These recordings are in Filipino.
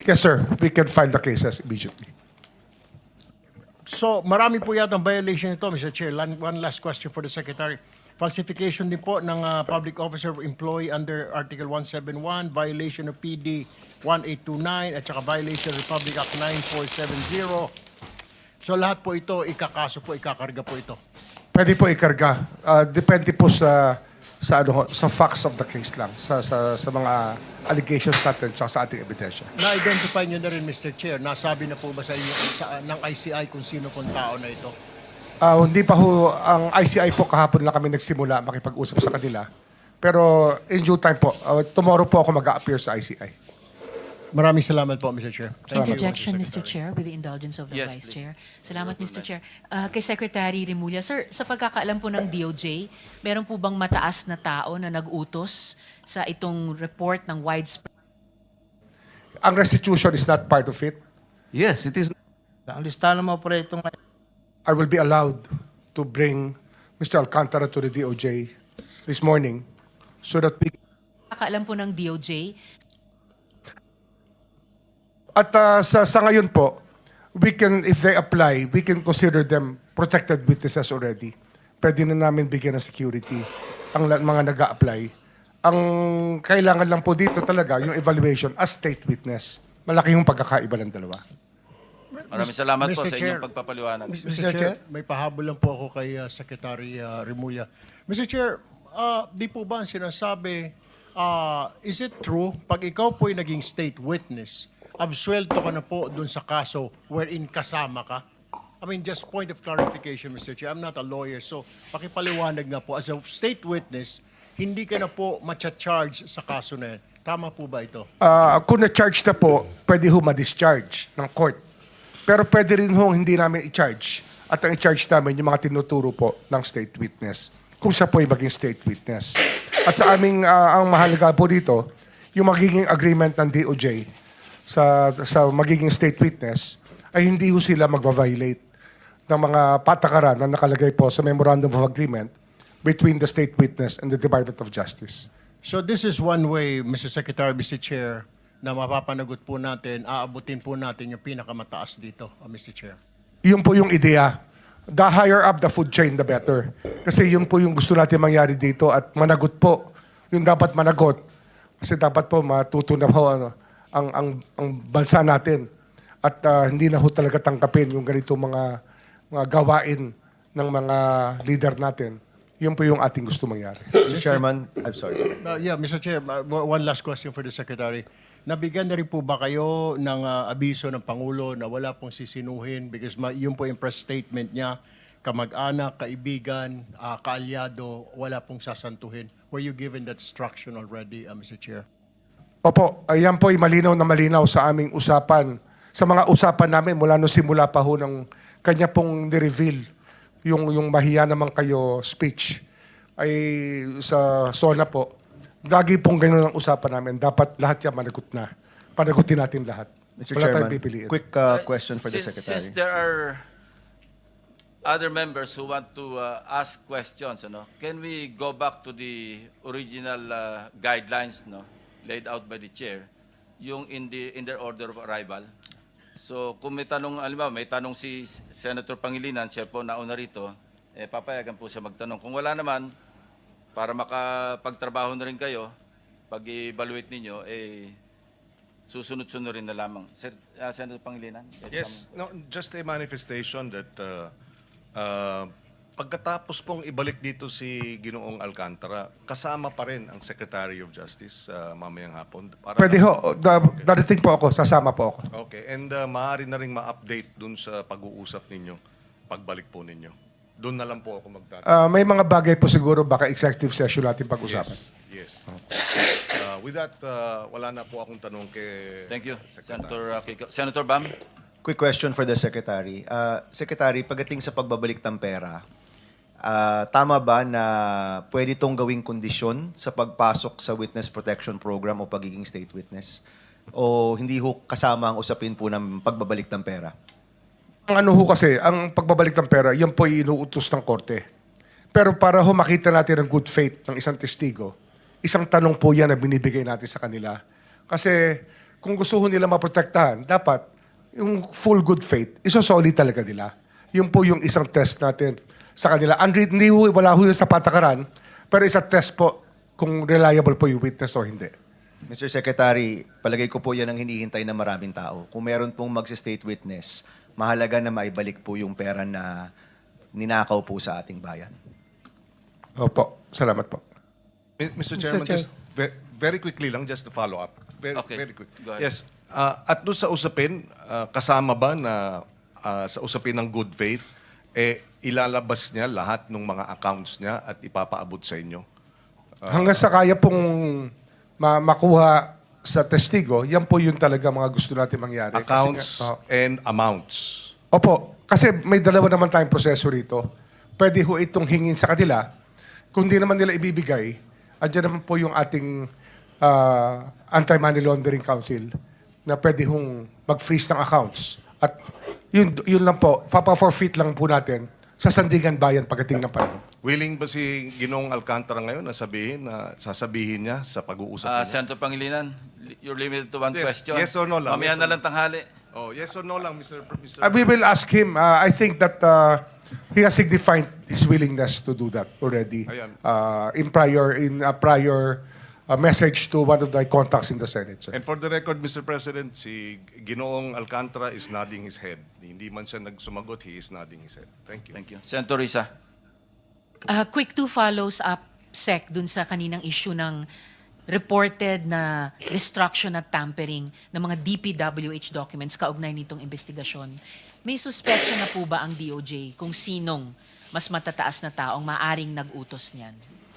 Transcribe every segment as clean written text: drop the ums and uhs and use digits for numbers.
Yes, sir. We can file the cases immediately. So, marami po yata ang violation nito, Mr. Chair. One last question for the Secretary. Falsification din po ng public officer or employee under Article 171, violation of PD 1829, at saka violation of Republic Act 9470. So, lahat po ito, ikakaso po, ikakarga po ito. Pwede po ikarga. Depende po sa facts of the case lang, sa mga allegations natin sa ating ebidensya. Na-identify nyo na rin, Mr. Chair, nasabi na po ba sa inyo ng ICI kung sino pong tao na ito? Hindi pa ho, ang ICI po kahapon lang kami nagsimula makipag-usap sa kanila. Pero in due time po, tomorrow po ako mag-a-appear sa ICI. Maraming salamat po, Mr. Chair. Interjection, Mr. Chair, with the indulgence of the Yes, Vice please. Chair. Salamat, Mr. Chair. Kay Secretary Remulla, sir, sa pagkakaalam po ng DOJ, meron po bang mataas na tao na nag-utos sa itong report ng widespread? Ang restitution is not part of it. Yes, it is. Ang listahan ng mga proyektong I will be allowed to bring Mr. Alcantara to the DOJ this morning so that we... Pagkakaalam po ng DOJ, At sa ngayon po, we can, if they apply, we can consider them protected witnesses already. Pwede na namin bigyan ng security ang mga nag-a-apply. Ang kailangan lang po dito talaga, yung evaluation as state witness. Malaki yung pagkakaiba ng dalawa. Maraming salamat po Mr. sa Chair. inyong pagpapaliwanag. Mr. Chair, may pahabol lang po ako kay Secretary Remulla. Mr. Chair, di po ba ang sinasabi, is it true, pag ikaw po'y naging state witness, absuelto ka na po dun sa kaso wherein kasama ka? I mean, just point of clarification, Mr. Chair. I'm not a lawyer, so pakipaliwanag nga po. As a state witness, hindi ka na po matcha-charge sa kaso na yan. Tama po ba ito? Kung na-charge na po, pwede ho ma-discharge ng court. Pero pwede rin ho hindi namin i-charge. At ang i-charge namin yung mga tinuturo po ng state witness. Kung siya po ay maging state witness. At sa aming, ang mahalaga po dito, yung magiging agreement ng DOJ sa magiging state witness ay hindi ho sila magva-violate ng mga patakaran na nakalagay po sa Memorandum of Agreement between the state witness and the Department of Justice. So this is one way, Mr. Secretary, Mr. Chair, na mapapanagot po natin, aabutin po natin yung pinakamataas dito, Mr. Chair. Yun po yung ideya. The higher up the food chain, the better. Kasi yun po yung gusto natin mangyari dito at managot po. Yung dapat managot. Kasi dapat po matuto na po ang bansa natin. At hindi na ho talaga tangkapin yung ganito mga gawain ng mga leader natin. Yun po yung ating gusto mangyari. Mr. Chairman, I'm sorry. Yeah, Mr. Chair, one last question for the Secretary. Nabigyan na rin po ba kayo ng abiso ng Pangulo na wala pong sisinuhin because yun po yung press statement niya, kamag-anak, kaibigan, kaalyado, wala pong sasantuhin. Were you given that instruction already, Mr. Chair? Opo, ayan po ay malinaw na malinaw sa aming usapan. Sa mga usapan namin mula nung simula pa ho ng kanya pong nireveal yung mahiya naman kayo speech ay sa SONA po. Lagi pong ganun ang usapan namin. Dapat lahat yan managot na. Panagutin natin lahat. Mr. Wala tayong Chairman, pipiliin. quick question for the Since Secretary. there are other members who want to ask questions, can we go back to the original guidelines laid out by the chair, yung in their order of arrival? So kung may tanong, alam may tanong si Senator Pangilinan, siya po nauna rito, papayagan po siya magtanong. Kung wala naman, para makapagtrabaho na rin kayo, pag-evaluate ninyo, susunod-sunod rin na lamang. Senator Pangilinan? Yes, no, just a manifestation that pagkatapos pong ibalik dito si Ginoong Alcantara, kasama pa rin ang Secretary of Justice mamayang hapon. Pwede ho. Darating po ako. Sasama po ako. Okay, and maaari na rin ma-update dun sa pag-uusap ninyo, pagbalik po ninyo. Doon na lang po ako magtatanong. May mga bagay po siguro baka executive session natin pag-usapan. Yes. With that, wala na po akong tanong kay... Thank you, Senator Kiko. Senator Bam? Quick question for the Secretary. Secretary, pagdating sa pagbabalik ng pera, tama ba na pwede itong gawing kondisyon sa pagpasok sa Witness Protection Program o pagiging state witness? O hindi ho kasama ang usapin po ng pagbabalik ng pera? Ang ano ho kasi, ang pagbabalik ng pera, yan po ay inuutos ng korte. Pero para ho makita natin ang good faith ng isang testigo, isang tanong po yan na binibigay natin sa kanila. Kasi kung gusto ho nila maprotektahan, dapat yung full good faith, isosolid talaga nila. Yun po yung isang test natin sa kanila. Hindi ho, wala ho yun sa patakaran, pero isa test po kung reliable po yung witness o hindi. Mr. Secretary, palagay ko po yan ang hinihintay ng maraming tao. Kung meron pong mag-state witness, mahalaga na maibalik po yung pera na ninakaw po sa ating bayan. Opo, salamat po. Mr. Chairman, Chair. just very quickly lang, just to follow up. Okay. Very quick. Go ahead. Yes. At doon sa usapin, kasama ba na sa usapin ng good faith, ilalabas niya lahat ng mga accounts niya at ipapaabot sa inyo? Hanggang sa kaya pong makuha sa testigo, yan po yun talaga mga gusto natin mangyari. Kasi Accounts nga- and amounts. Opo, kasi may dalawa naman tayong proseso rito. Pwede ho itong hingin sa kanila. Kung di naman nila ibibigay, andyan naman po yung ating Anti-Money Laundering Council na pwede hong mag-freeze ng accounts. At yun lang po, papa-forfeit lang po natin sa Sandigan Bayan pagdating ng panahon. Willing ba si Ginoong Alcantara ngayon na sasabihin niya sa pag-uusap niya? Senator Pangilinan, you're limited to one Yes, question. yes or no lang, Mamaya yes na or lang tanghali. Oh, yes or no lang, Mr. We will ask him. I think that he has signified his willingness to do that already Ayan. in a prior message to one of the contacts in the Senate. Sir. And for the record, Mr. President, si Ginoong Alcantara is nodding his head. Hindi man siya nagsumagot, he is nodding his head. Thank you. Thank you. Senator Risa. Quick two follows up, Sec, dun sa kaninang issue ng reported na destruction at tampering ng mga DPWH documents kaugnay nitong investigasyon. May suspect na po ba ang DOJ kung sinong mas matataas na taong maaring nag-utos niyan?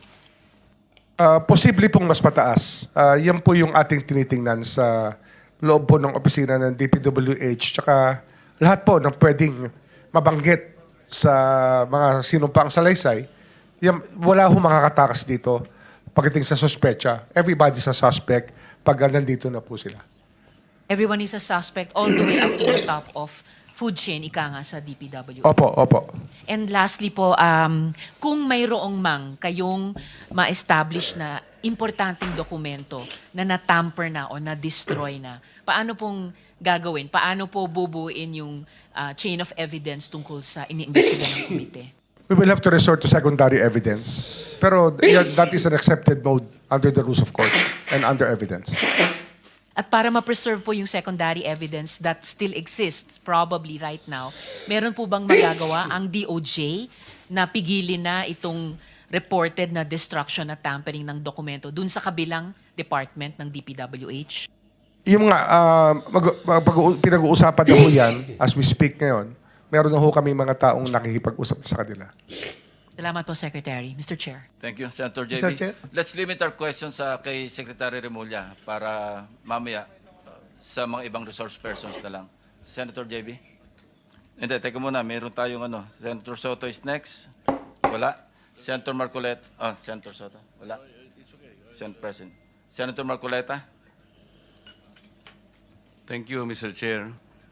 Posible pong mas mataas. Yan po yung ating tinitingnan sa loob po ng opisina ng DPWH tsaka lahat po ng pwedeng mabanggit sa mga sinumpang salaysay. Yan, wala ho makakatakas dito pagdating sa suspecha. Everybody's a suspect pag nandito na po sila. Everyone is a suspect all the way up to the top of food chain, ika nga sa DPWH. Opo, opo. And lastly po, kung mayroong mang kayong ma-establish na importanteng dokumento na natamper na o na-destroy na, paano pong gagawin? Paano po bubuin yung chain of evidence tungkol sa iniimbestiga ng komite? We will have to resort to secondary evidence. Pero that is an accepted mode under the rules of court and under evidence. At para ma-preserve po yung secondary evidence that still exists probably right now, meron po bang magagawa ang DOJ na pigilin na itong reported na destruction at tampering ng dokumento dun sa kabilang department ng DPWH? Yung mga pinag-uusapan na ho yan, as we speak ngayon, meron na ho kami mga taong nakikipag-usap sa kanila. Salamat po, Secretary. Mr. Chair. Thank you, Senator JB. Mr. Chair. Let's limit our questions kay Secretary Remulla para mamaya sa mga ibang resource persons na lang. Senator JB? Hindi, teka muna. Meron tayong Senator Soto is next. Wala. Senator Marcoleta. Senator Soto. Wala. Senator President. Senator Marcoleta? Thank you, Mr. Chair.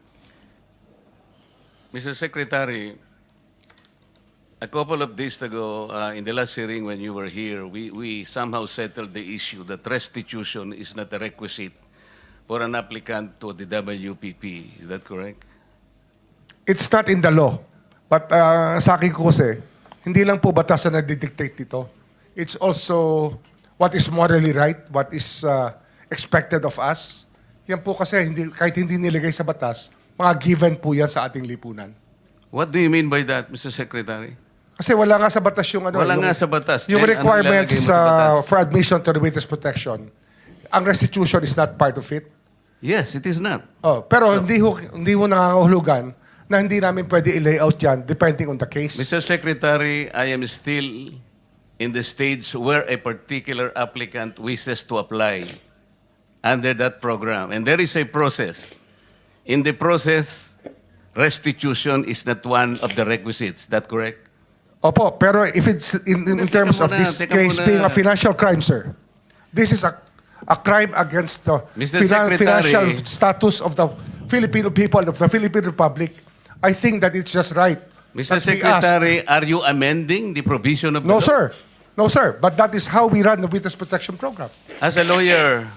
Mr. Secretary, a couple of days ago, in the last hearing when you were here, we somehow settled the issue that restitution is not a requisite for an applicant to the WPP. Is that correct? It's not in the law. But sa akin ko kasi, hindi lang po batas na nagdidictate dito. It's also what is morally right, what is expected of us. Yan po kasi, kahit hindi nilagay sa batas, mga given po yan sa ating lipunan. What do you mean by that, Mr. Secretary? Kasi wala nga sa batas yung Wala yung, nga sa batas. Yung Then, ano requirements ilalagay mo sa batas? for admission to the witness protection. Ang restitution is not part of it. Yes, it is not. Pero hindi ho nangangahulugan na hindi namin pwede i-layout yan depending on the case. Mr. Secretary, I am still in the stage where a particular applicant wishes to apply under that program. And there is a process. In the process, restitution is not one of the requisites. Is that correct? Opo, pero if it's in Teka terms of muna, this teka case muna. being a financial crime, sir, this is a crime against the Mr. Secretary. financial status of the Filipino people, of the Philippine Republic. I think that it's just right. Mr. that we ask- Secretary, are you amending the provision of the No, law? sir. No, sir. But that is how we run the Witness Protection Program. As a lawyer,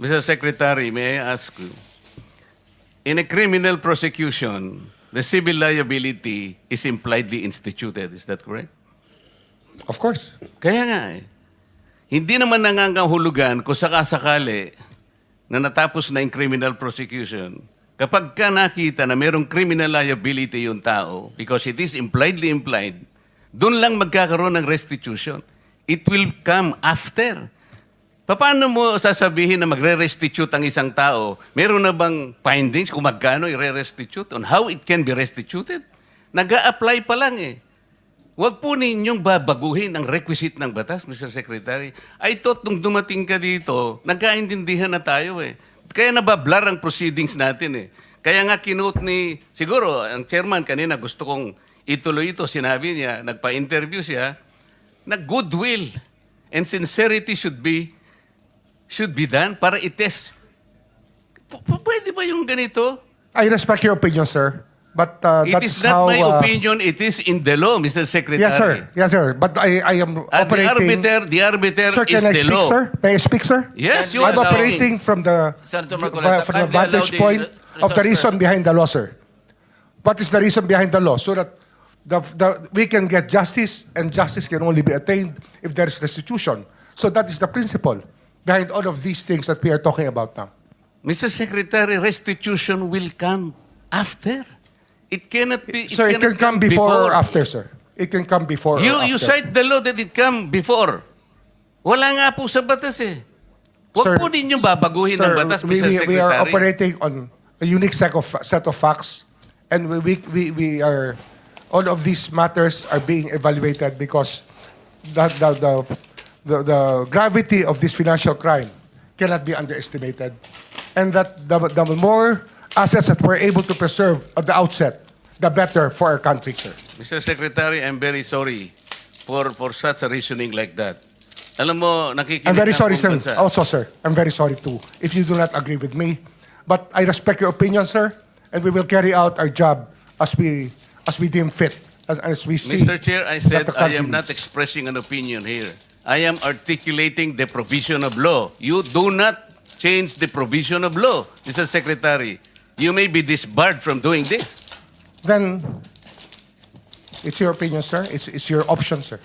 Mr. Secretary, may I ask you, in a criminal prosecution, the civil liability is impliedly instituted. Is that correct? Of course. Kaya nga eh. Hindi naman nangangahulugan kung sakasakali na natapos na yung criminal prosecution. Kapag ka nakita na mayroong criminal liability yung tao, because it is impliedly implied, doon lang magkakaroon ng restitution. It will come after. Paano mo sasabihin na magre-restitute ang isang tao? Meron na bang findings kung magkano i-restitute on how it can be restituted? Nag-a-apply pa lang eh. Huwag po ninyong babaguhin ang requisite ng batas, Mr. Secretary. I thought nung dumating ka dito, nagkaintindihan na tayo eh. Kaya nabablar ang proceedings natin eh. Kaya nga kinote ni, siguro, ang chairman kanina gusto kong ituloy ito. Sinabi niya, nagpa-interview siya, na goodwill and sincerity should be done para i-test. Pwede ba yung ganito? I respect your opinion, sir. But It that's is not how... my opinion, it is in the law, Mr. Secretary. Yes, sir. Yes, sir. But I am At operating... the arbiter Sir, is can I the speak, law. sir? May I speak, sir? Yes, you I'm are operating from the Senator Marcoleta, from the kindly allow vantage the point of the resource reason person. behind the law, sir. What is the reason behind the law? So that we can get justice, and justice can only be attained if there is restitution. So that is the principle behind all of these things that we are talking about now. Mr. Secretary, restitution will come after. It cannot be. Sir, it can cannot come before or after, sir. It can come before or You after. cite the law that it come before. Wala nga po sa batas eh. Sir, Huwag po ninyong babaguhin ang batas, Mr. Secretary. we are operating on a unique set of facts, and we are all of these matters are being evaluated because the gravity of this financial crime cannot be underestimated, and that the more assets that we're able to preserve at the outset, the better for our country, sir. Mr. Secretary, I'm very sorry for such a reasoning like that. Alam mo, nakikinig I'm very ang sorry, buong sir. bansa. Also, sir, I'm very sorry too if you do not agree with me. But I respect your opinion, sir, and we will carry out our job as we deem fit, as we see. Mr. Chair, I said that the I country am not needs. expressing an opinion here. I am articulating the provision of law. You do not change the provision of law, Mr. Secretary. You may be disbarred from doing this. Then it's your opinion, sir. It's your option, sir.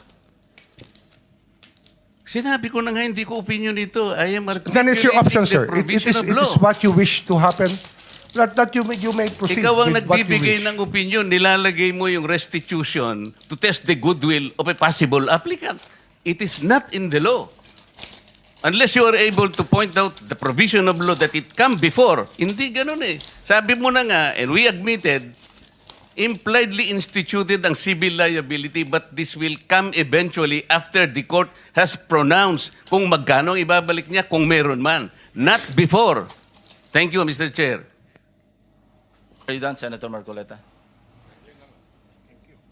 Sinabi ko na nga, hindi ko opinion ito. I am articulating Then it's your option, the sir. provision of It law. is what you wish to happen. That you may proceed Ikaw ang with what you nagbibigay wish. ng opinion, nilalagay mo yung restitution to test the goodwill of a possible applicant. It is not in the law. Unless you are able to point out the provision of law that it come before. Hindi ganun eh. Sabi mo na nga, and we admitted, impliedly instituted ang civil liability, but this will come eventually after the court has pronounced kung magkano ang ibabalik niya, kung meron man. Not before. Thank you, Mr. Chair. Are you done, Senator Marcoleta?